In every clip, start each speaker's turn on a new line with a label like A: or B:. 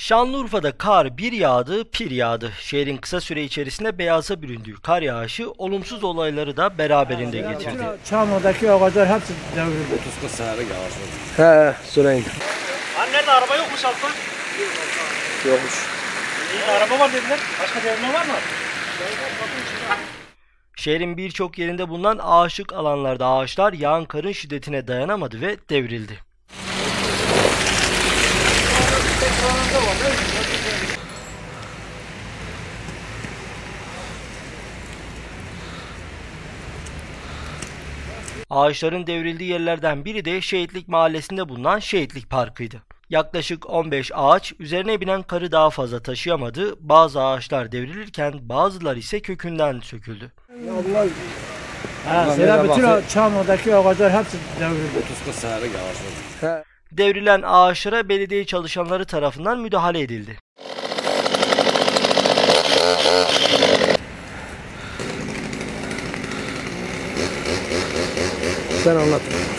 A: Şanlıurfa'da kar bir yağdı, pir yağdı. Şehrin kısa süre içerisinde beyaza büründüğü kar yağışı olumsuz olayları da beraberinde getirdi.
B: Çamlı'daki ağaçlar hepsi devrildi.
C: 30-40 senelik yağış oldu.
D: He, söyleyin.
E: Nerede araba yokmuş altta?
D: Yokmuş.
E: Araba var dediler. Başka devrilme var mı?
A: Şehrin birçok yerinde bulunan ağaçlık alanlarda ağaçlar yağan karın şiddetine dayanamadı ve devrildi. Ağaçların devrildiği yerlerden biri de Şehitlik Mahallesi'nde bulunan Şehitlik Parkı'ydı. Yaklaşık 15 ağaç üzerine binen karı daha fazla taşıyamadı. Bazı ağaçlar devrilirken bazıları ise kökünden söküldü.
B: Bütün Çamlı'daki ağaçlar hepsi devrildi.
C: 30-40 senelik yağış oldu.
A: Devrilen ağaçlara belediye çalışanları tarafından müdahale edildi.
D: Sen anlat.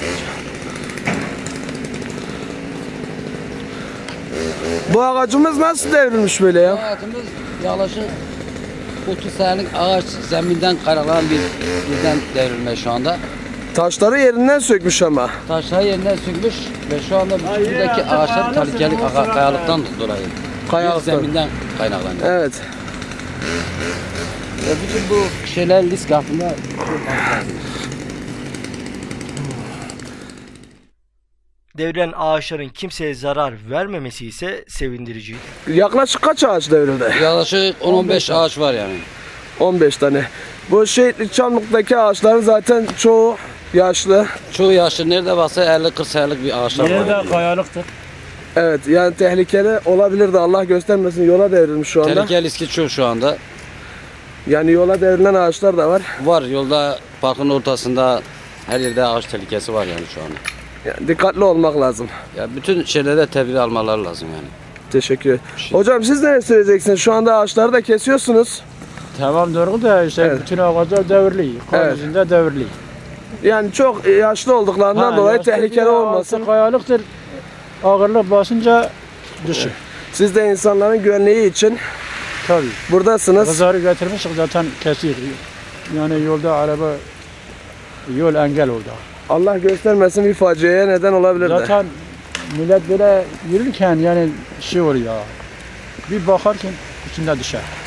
D: Bu ağacımız nasıl devrilmiş böyle ya?
F: Ağacımız yaklaşık 30 senelik ağaç zeminden karalan birden devrilme şu anda.
D: Taşları yerinden sökmüş ama.
F: Taşları yerinden sökmüş ve şu anda buradaki ağaçlar tehlikeli kayalıktan dolayı.
D: Kayalıktan.
F: Zeminden kaynaklanıyor.
D: Evet.
F: Ve bütün bu şeyler risk altında.
A: Devrilen ağaçların kimseye zarar vermemesi ise sevindirici.
D: Yaklaşık kaç ağaç devrildi?
F: Yaklaşık 10-15 ağaç var yani.
D: 15 tane. Bu Şehitlik Çamlık'taki ağaçların zaten çoğu yaşlı.
F: Çoğu yaşlı nerede varsa 50-40 senelik bir ağaçlar var.
B: Nerede kayalıktır.
D: Evet, yani tehlikeli olabilir de Allah göstermesin, yola devrilmiş şu anda.
F: Tehlike riski çok şu anda.
D: Yani yola devrilen ağaçlar da var.
F: Var yolda parkın ortasında her yerde ağaç tehlikesi var yani şu anda.
D: Yani dikkatli olmak lazım.
F: Ya bütün şeylere tedbir almaları lazım yani.
D: Teşekkür ederim. Hocam siz ne söyleyeceksiniz? Şu anda ağaçları da kesiyorsunuz.
B: Tamam doğru da işte
D: Evet.
B: bütün ağaçlar devriliyor. Kar
D: Evet.
B: yüzünde devriliyor.
D: Yani çok yaşlı olduklarından dolayı
B: yaşlı
D: tehlikeli
B: bir
D: olmasın.
B: ağaçta kayalıktır. Ağırlık basınca düşür.
D: Siz de insanların güvenliği için
B: Tabii.
D: buradasınız.
B: Kızarı getirmişik zaten kesiyor. Yani yolda araba yol engel oldu.
D: Allah göstermesin bir faciaya neden olabilir de.
B: Zaten millet böyle yürürken yani şey oluyor. Bir bakarken içinde düşer.